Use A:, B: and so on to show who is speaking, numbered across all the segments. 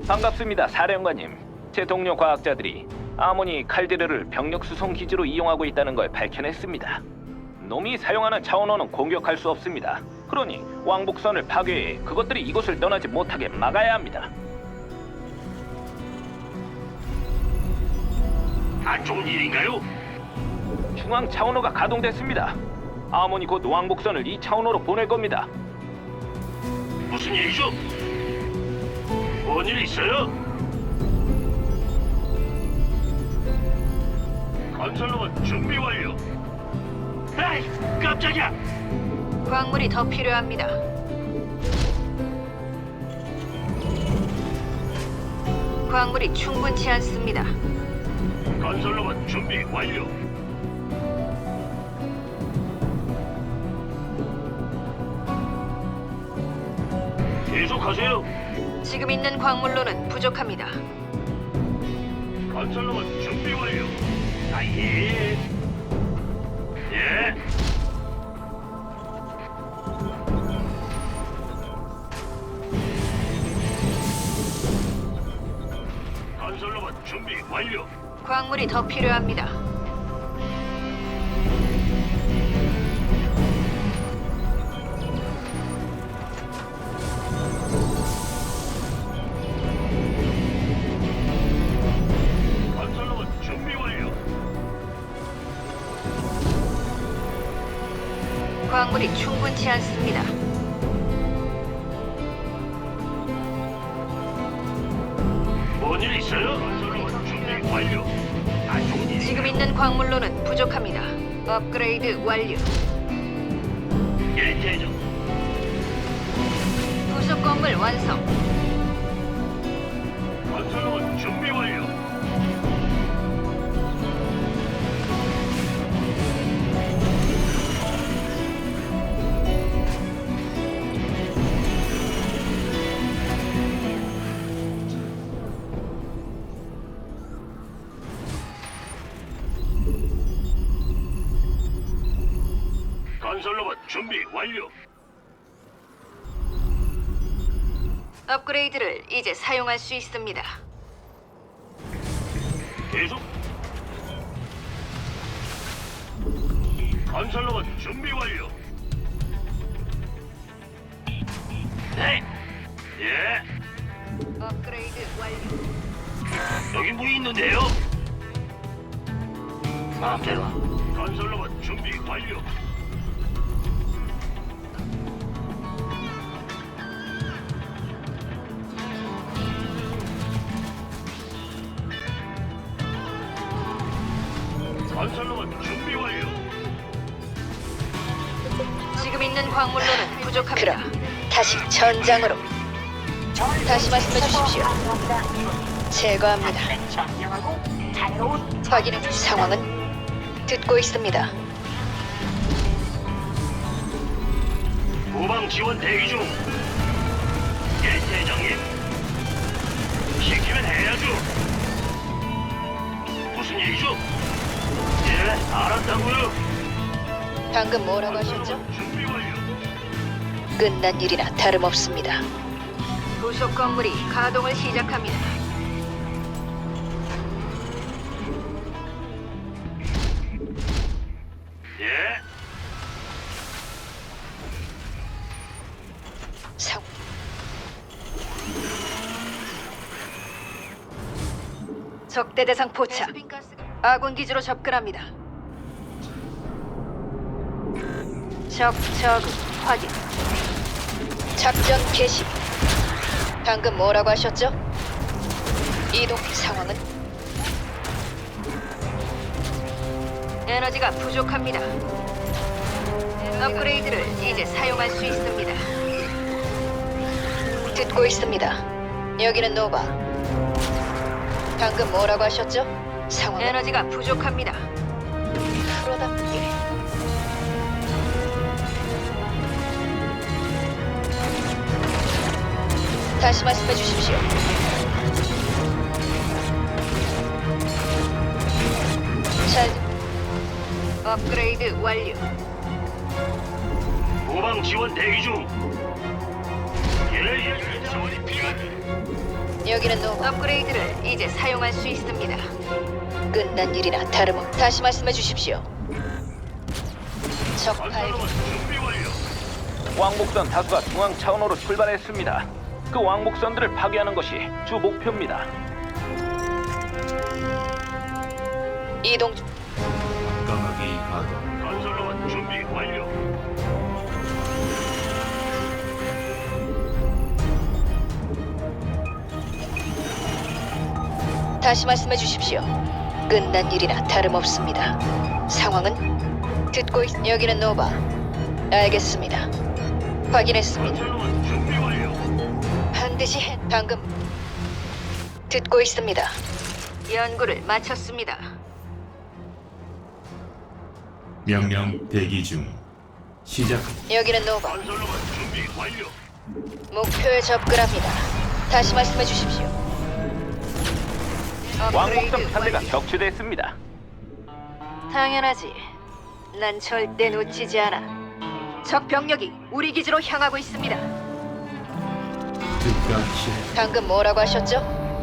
A: 반갑습니다, 사령관님. 제 동료 과학자들이 아모니 칼데르를 병력 수송 기지로 이용하고 있다는 걸 밝혀냈습니다. 놈이 사용하는 차원호는 공격할 수 없습니다. 그러니 왕복선을 파괴해 그것들이 이곳을 떠나지 못하게 막아야 합니다.
B: 안 좋은 일인가요?
A: 중앙 차원호가 가동됐습니다. 아모니 곧 왕복선을 이 차원호로 보낼 겁니다.
B: 무슨 일이죠? 뭔 일 있어요? 건설로봇 준비 완료. 에이, 깜짝이야.
C: 광물이 더 필요합니다. 광물이 충분치 않습니다.
B: 건설로봇 준비 완료. 계속하세요.
C: 지금 있는 광물로는 부족합니다.
B: 건설로봇 준비 완료. 아예. 예. 건설로봇 준비 완료.
C: 광물이 더 필요합니다.
B: 건설로봇 준비 완료.
C: 광물이 충분치 않습니다.
B: 뭔 일 있어요? 건설로봇 준비 완료. 안 좋은 일.
C: 지금 있는 광물로는 부족합니다. 업그레이드 완료.
B: 예, 대장.
C: 부속 건물 완성.
B: 건설로봇 준비 완료. 건설로봇 준비 완료.
C: 업그레이드를 이제 사용할 수 있습니다.
B: 계속. 건설로봇 준비 완료. 네. 예.
C: 업그레이드 완료.
B: 여기 뭐 있는데요? 마음대로. 건설로봇 준비 완료. 건설로봇 준비 완료.
C: 지금 있는 광물로는 부족합니다.
D: 그럼 다시 전장으로. 다시 말씀해 주십시오. 제거합니다. 확인 상황은 듣고 있습니다.
B: 후방 지원 대기 중. 예, 대장님. 시키면 해야죠. 무슨 일이죠? 예, 알았다고요.
D: 방금 뭐라고 하셨죠?
B: 준비 완료.
D: 끝난 일이나 다름없습니다.
C: 부속 건물이 가동을 시작합니다.
B: 예,
D: 상
C: 적대 대상 포착. 아군 기지로 접근합니다. 적 확인.
D: 작전 개시. 방금 뭐라고 하셨죠? 이동 상황은
C: 에너지가 부족합니다. 업그레이드를 이제 사용할 수 있습니다.
D: 듣고 있습니다. 여기는 노바. 방금 뭐라고 하셨죠? 상황은
C: 에너지가 부족합니다.
D: 프로답게. 다시 말씀해 주십시오. 잘
C: 업그레이드 완료.
B: 후방 지원 대기 중. 예, 지원이 필요한.
D: 여기는 노바.
C: 업그레이드를 이제 사용할 수 있습니다.
D: 끝난 일이나 다름없. 다시 말씀해 주십시오. 적 발견.
B: 건설로봇 준비 완료.
A: 왕복선 다수가 중앙 차원호로 출발했습니다. 그 왕복선들을 파괴하는 것이 주 목표입니다.
D: 이동.
E: 까마귀 가동.
B: 건설로봇 준비 완료.
D: 다시 말씀해 주십시오. 끝난 일이나 다름없습니다. 상황은 듣고 있. 여기는 노바. 알겠습니다. 확인했습니다.
B: 건설로봇 준비 완료.
D: 반드시 해. 방금 듣고 있습니다.
C: 연구를 마쳤습니다.
E: 명령 대기 중. 시작.
D: 여기는 노바.
B: 건설로봇 준비 완료.
D: 목표에 접근합니다. 다시 말씀해 주십시오.
A: 왕복선
C: 업그레이드
A: 편대가
C: 완료.
A: 격추됐습니다.
C: 당연하지. 난 절대 놓치지 않아. 적 병력이 우리 기지로 향하고 있습니다.
E: 즉각 실.
D: 방금 뭐라고 하셨죠?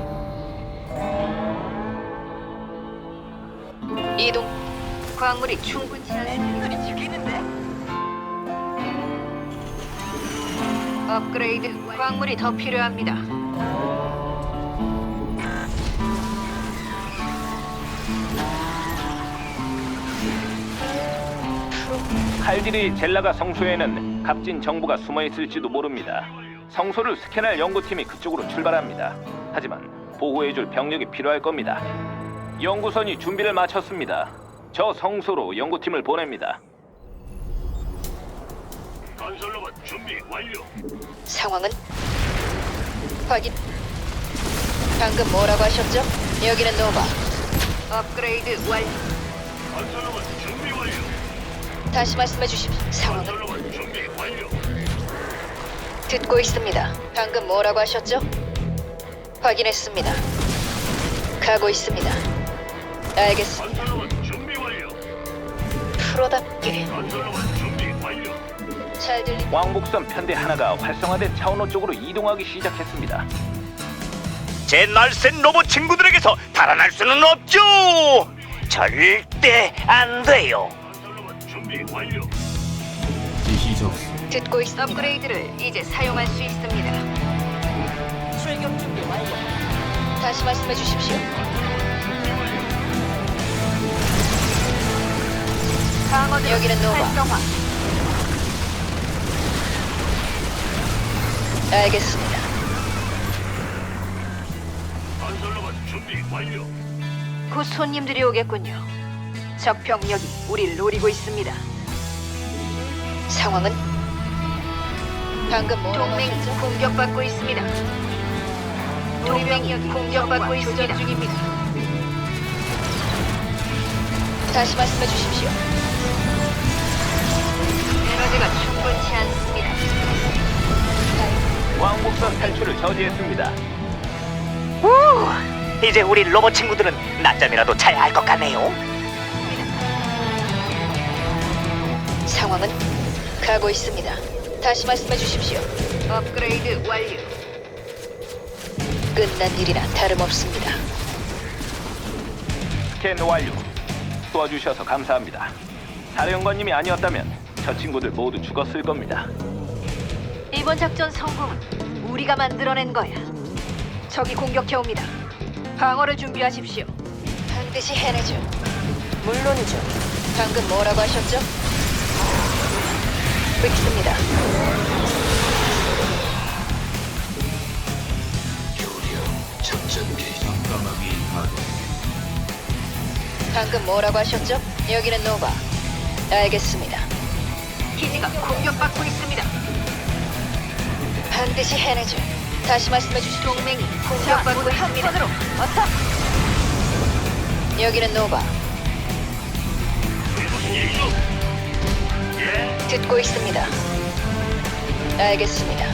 D: 이동.
C: 광물이 충분치 않은 소리 죽이는데. 업그레이드 광물이 더 필요합니다.
A: 칼디리 젤라가 성소에는 값진 정보가 숨어 있을지도 모릅니다. 성소를 스캔할 연구팀이 그쪽으로 출발합니다. 하지만 보호해줄 병력이 필요할 겁니다. 연구선이 준비를 마쳤습니다. 저 성소로 연구팀을 보냅니다.
B: 건설로봇 준비 완료.
D: 상황은 확인. 방금 뭐라고 하셨죠? 여기는 노바.
C: 업그레이드 완료.
B: 건설로봇 준비 완료.
D: 다시 말씀해 주십시오. 상황은
B: 건설로봇 준비 완료.
D: 듣고 있습니다. 방금 뭐라고 하셨죠? 확인했습니다. 가고 있습니다. 알겠습니다.
B: 건설로봇 준비 완료.
D: 프로답게
B: 건설로봇 준비 완료.
D: 잘 들리.
A: 왕복선 편대 하나가 활성화된 차원호 쪽으로 이동하기 시작했습니다.
F: 제 날쌘 로봇 친구들에게서 달아날 수는 없죠. 절대 안 돼요.
B: 건설로봇 준비 완료.
E: 지시 접수.
D: 듣고 있습니다.
C: 업그레이드를 이제 사용할 수 있습니다.
D: 출격 준비 완료. 다시 말씀해 주십시오.
C: 방어드
D: 여기는 노바.
C: 활성화.
D: 알겠습니다.
B: 건설로봇 준비 완료.
C: 곧 손님들이 오겠군요. 적 병력이 우리를 노리고 있습니다.
D: 상황은 방금 뭐라고
C: 동맹이
D: 하셨죠?
C: 공격받고 있습니다. 동맹이 공격받고 있습니다. 중입니다.
D: 다시 말씀해 주십시오.
C: 에너지가 충분치 않습니다.
A: 왕복선 탈출을 저지했습니다.
F: 이제 우리 로봇 친구들은 낮잠이라도 잘 알 것 같네요.
D: 상황은 가고 있습니다. 다시 말씀해 주십시오.
C: 업그레이드 완료.
D: 끝난 일이나 다름없습니다.
A: 스캔 완료. 도와주셔서 감사합니다. 사령관님이 아니었다면 저 친구들 모두 죽었을 겁니다.
C: 이번 작전 성공은 우리가 만들어낸 거야. 적이 공격해옵니다. 방어를 준비하십시오.
D: 반드시 해내죠. 물론이죠. 방금 뭐라고 하셨죠? 믿습니다.
E: 까마귀 가동.
D: 방금 뭐라고 하셨죠? 여기는 노바. 알겠습니다.
C: 기지가 공격받고 있습니다.
D: 반드시 해내죠. 다시 말씀해 주십시오.
C: 동맹이 공격받고 있습니다. 어서
D: 여기는 노바.
B: 무슨 일이죠? 예.
D: 듣고 있습니다. 알겠습니다.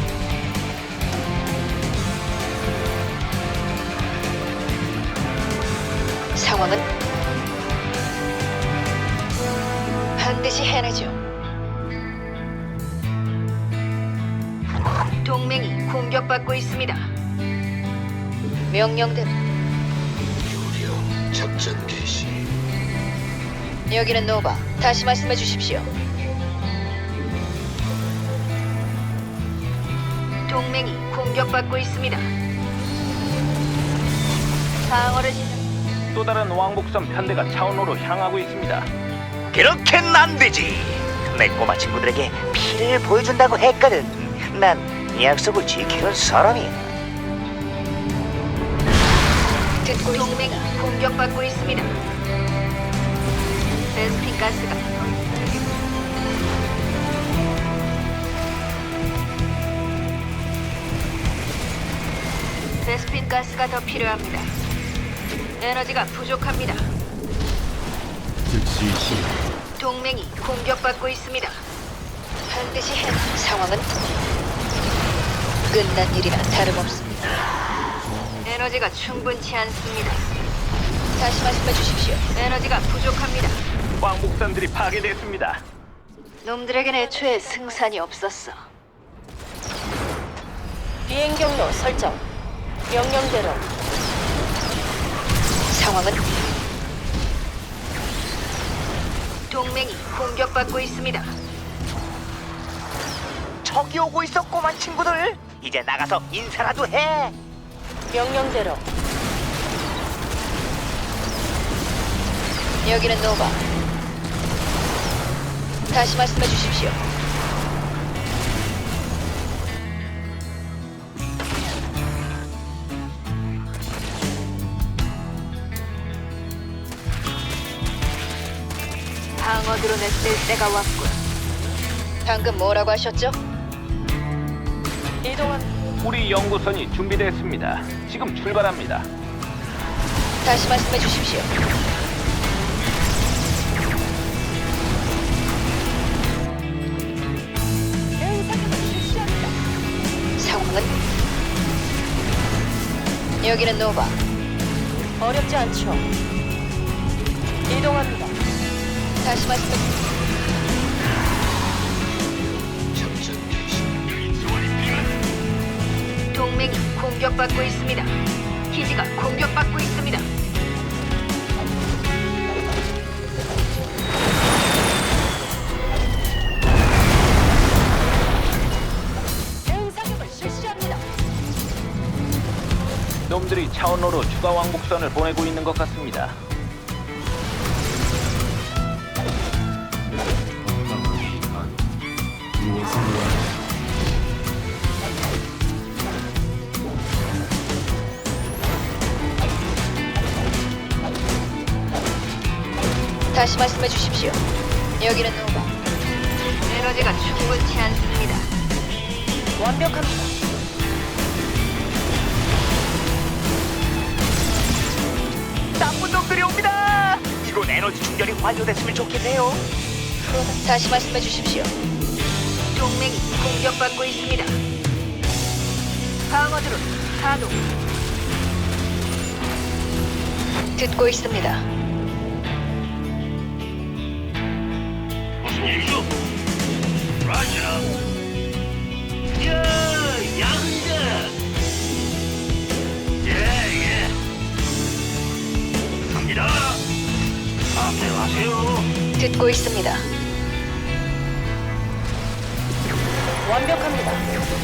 D: 상황은 반드시 해내죠.
C: 동맹이 공격받고 있습니다.
D: 명령대로.
B: 작전 개시.
D: 여기는 노바. 다시 말씀해 주십시오.
C: 동맹이 공격받고 있습니다. 방어를 시작.
A: 또 다른 왕복선 편대가 차원로로 향하고 있습니다.
F: 그렇게는 안 되지. 내 꼬마 친구들에게 피를 보여준다고 했거든. 난 약속을 지키는 사람이야.
D: 듣고
C: 동맹이
D: 있습니다.
C: 공격받고 있습니다. 베스핀 가스가 베스핀 가스가 더 필요합니다. 에너지가 부족합니다.
E: 즉시 실행.
C: 동맹이 공격받고 있습니다.
D: 반드시 해. 상황은 끝난 일이나 다름없습니다.
C: 에너지가 충분치 않습니다.
D: 다시 말씀해 주십시오.
C: 에너지가 부족합니다.
A: 왕복선들이 파괴됐습니다.
C: 놈들에겐 애초에 승산이 없었어.
D: 비행 경로 설정. 명령대로. 상황은
C: 동맹이 공격받고 있습니다.
F: 저기 오고 있어, 꼬마 친구들. 이제 나가서 인사라도 해.
D: 명령대로. 여기는 노바. 다시 말씀해 주십시오.
C: 방어 드론을 쓸 때가 왔군.
D: 방금 뭐라고 하셨죠? 이동한.
A: 우리 연구선이 준비됐습니다. 지금 출발합니다.
D: 다시 말씀해 주십시오. 상황은 여기는 노바. 어렵지 않죠. 이동합니다. 다시 말씀해 주십시오.
B: 작전 개시. 지원이 필요한.
C: 동맹이 공격받고 있습니다. 기지가 공격받고 있습니다.
D: 대응사격을 실시합니다.
A: 놈들이 차원로로 추가 왕복선을 보내고 있는 것 같습니다.
E: 건강하게 가도. 무엇을 원하는.
D: 다시 말씀해 주십시오. 여기는 노바.
C: 에너지가 충분치 않습니다.
D: 완벽합니다.
F: 나쁜 놈들이 옵니다. 이건 에너지 충전이 완료됐으면 좋겠네요.
D: 다시 말씀해 주십시오.
C: 동맹이 공격받고 있습니다. 방어 드론 가동.
D: 듣고 있습니다.
B: 무슨 일이죠? 라자. 야, 양자. 예. 갑니다. 앞에 가세요.
D: 듣고 있습니다. 완벽합니다.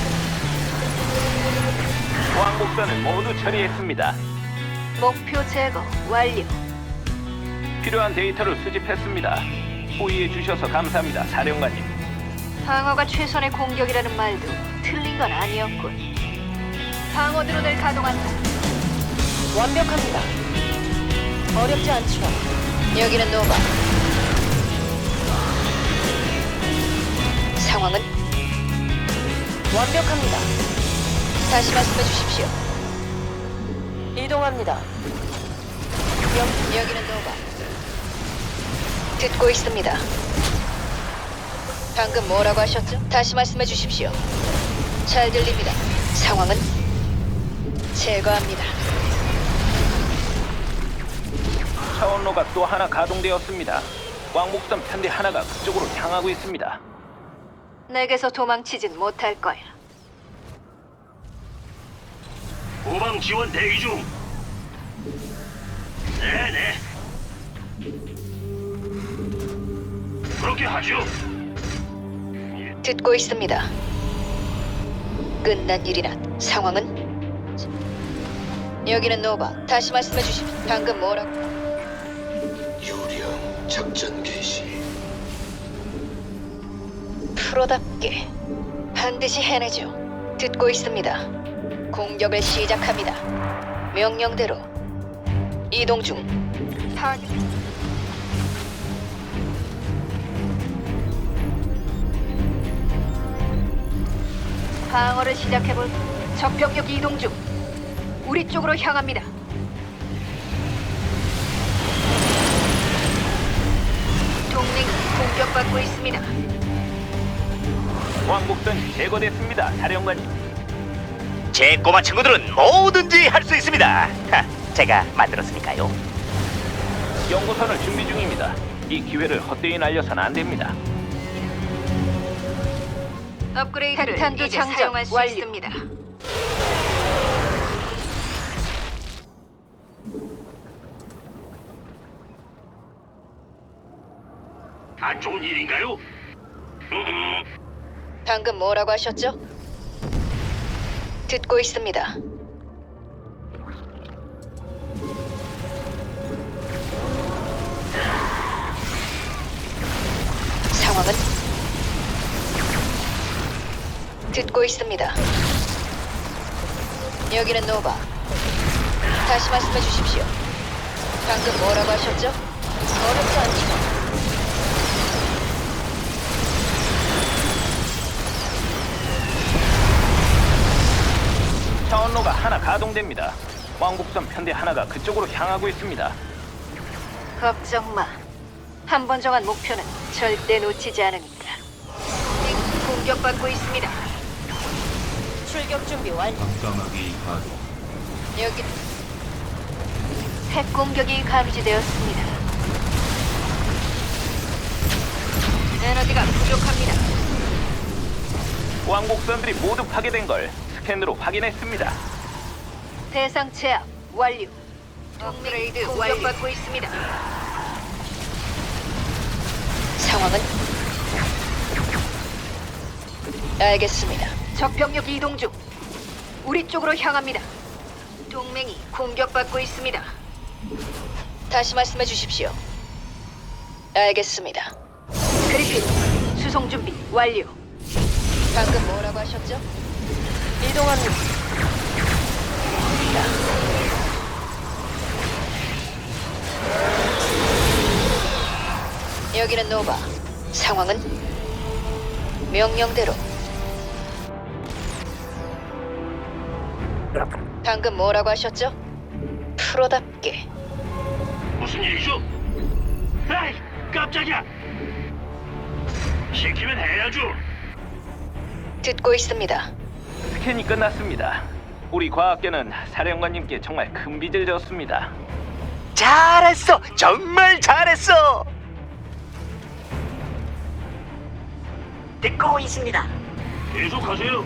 A: 왕복선을 모두 처리했습니다.
C: 목표 제거 완료.
A: 필요한 데이터를 수집했습니다. 호의해 주셔서 감사합니다, 사령관님.
C: 방어가 최선의 공격이라는 말도 틀린 건 아니었군. 방어 드론을 가동한다.
D: 완벽합니다. 어렵지 않죠. 여기는 노바. 상황은 완벽합니다. 다시 말씀해 주십시오. 이동합니다. 여기는 노바. 듣고 있습니다. 방금 뭐라고 하셨죠? 다시 말씀해 주십시오. 잘 들립니다. 상황은 제거합니다.
A: 차원로가 또 하나 가동되었습니다. 왕복선 편대 하나가 그쪽으로 향하고 있습니다.
C: 내게서 도망치진 못할 거야.
B: 후방 지원 대기 중. 네네. 그렇게 하죠.
D: 듣고 있습니다. 끝난 일이나 상황은? 여기는 노바. 다시 말씀해 주십시오. 방금 뭐라고?
E: 유령 작전 개시.
D: 프로답게 반드시 해내죠. 듣고 있습니다. 공격을 시작합니다. 명령대로 이동 중. 타겟.
C: 방어를 시작해볼. 적병력 이동 중. 우리 쪽으로 향합니다. 동맹이 공격받고 있습니다.
A: 왕복선이 제거됐습니다, 사령관님.
F: 제 꼬마 친구들은 뭐든지 할 수 있습니다. 제가 만들었으니까요.
A: 연구선을 준비 중입니다. 이 기회를 헛되이 날려선 안 됩니다.
C: 업그레이드를
D: 핵탄두
C: 이제
D: 장전
C: 사용할 수
D: 완료.
C: 있습니다.
B: 안 좋은 일인가요?
D: 방금 뭐라고 하셨죠? 듣고 있습니다. 상황은? 듣고 있습니다. 여기는 노바. 다시 말씀해 주십시오. 방금 뭐라고 하셨죠? 어렵지 않죠?
A: 차원로가 하나 가동됩니다. 왕복선 편대 하나가 그쪽으로 향하고 있습니다.
C: 걱정 마. 한 번 정한 목표는 절대 놓치지 않으니까. 동맹이 공격받고 있습니다.
D: 출격 준비 완료.
E: 깜깜하게 가동.
D: 여기
C: 핵 공격이 감지되었습니다. 에너지가 부족합니다.
A: 왕복선들이 모두 파괴된 걸 스캔으로 확인했습니다.
C: 대상 제압 완료. 업그레이드 공격받고 있습니다.
D: 상황은? 알겠습니다.
C: 적병력 이동 중. 우리 쪽으로 향합니다. 동맹이 공격받고 있습니다.
D: 다시 말씀해 주십시오. 알겠습니다.
C: 그리핀 수송 준비 완료.
D: 방금 뭐라고 하셨죠? 이동합니다. 여기는 노바. 상황은? 명령대로. 방금 뭐라고 하셨죠? 프로답게.
B: 무슨 일이죠? 에이, 깜짝이야. 시키면 해야죠.
D: 듣고 있습니다.
A: 스캔이 끝났습니다. 우리 과학계는 사령관님께 정말 큰 빚을 졌습니다.
F: 잘했어, 정말 잘했어. 듣고 있습니다.
B: 계속하세요.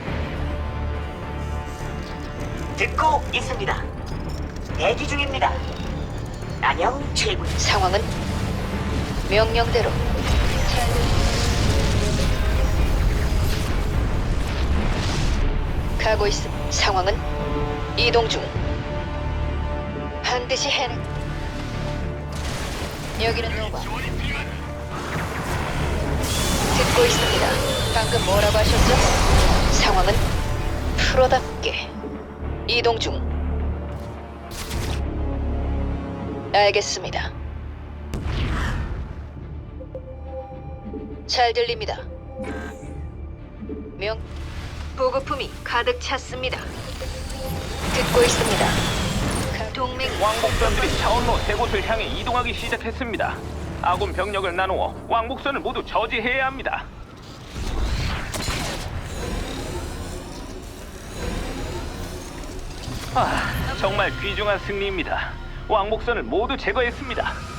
F: 듣고 있습니다. 대기 중입니다. 안녕, 최군.
D: 상황은? 명령대로. 가고 있음. 상황은? 이동 중. 반드시 해내. 여기는 노바. 듣고 있습니다. 방금 뭐라고 하셨죠? 상황은? 프로답게. 이동 중. 알겠습니다. 잘 들립니다. 명
C: 보급품이 가득 찼습니다.
D: 듣고 있습니다.
C: 동맹
A: 왕복선들이 차원로 세 곳을 향해 이동하기 시작했습니다. 아군 병력을 나누어 왕복선을 모두 저지해야 합니다. 정말 귀중한 승리입니다. 왕복선을 모두 제거했습니다.